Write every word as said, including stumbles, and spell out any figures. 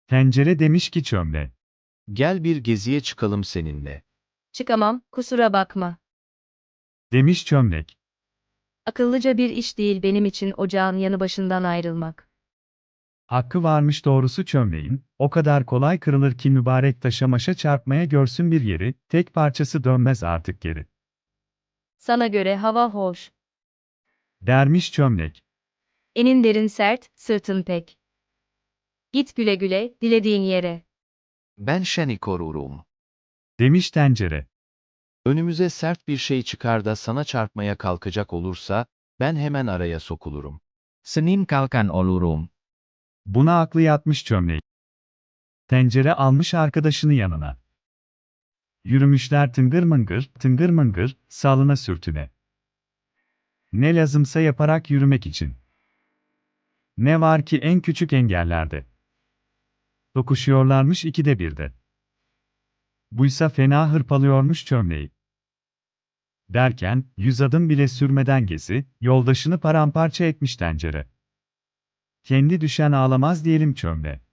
Tencere demiş ki çömle. Gel bir geziye çıkalım seninle. Çıkamam, kusura bakma. Demiş çömlek. Akıllıca bir iş değil benim için ocağın yanı başından ayrılmak. Hakkı varmış doğrusu çömleğin, o kadar kolay kırılır ki mübarek taşa maşa çarpmaya görsün bir yeri, tek parçası dönmez artık geri. Sana göre hava hoş. Dermiş çömlek. Enin derin sert, sırtın pek. Git güle güle, dilediğin yere. Ben seni korurum. Demiş tencere. Önümüze sert bir şey çıkar da sana çarpmaya kalkacak olursa, ben hemen araya sokulurum. Senin kalkan olurum. Buna aklı yatmış çömleği. Tencere almış arkadaşını yanına. Yürümüşler tıngır mıngır, tıngır mıngır, salına sürtüne. Ne lazımsa yaparak yürümek için. Ne var ki en küçük engellerde. Dokuşuyorlarmış ikide birde. Buysa fena hırpalıyormuş çömleği. Derken, yüz adım bile sürmeden gezi, yoldaşını paramparça etmiş tencere. Kendi düşen ağlamaz diyelim çömle.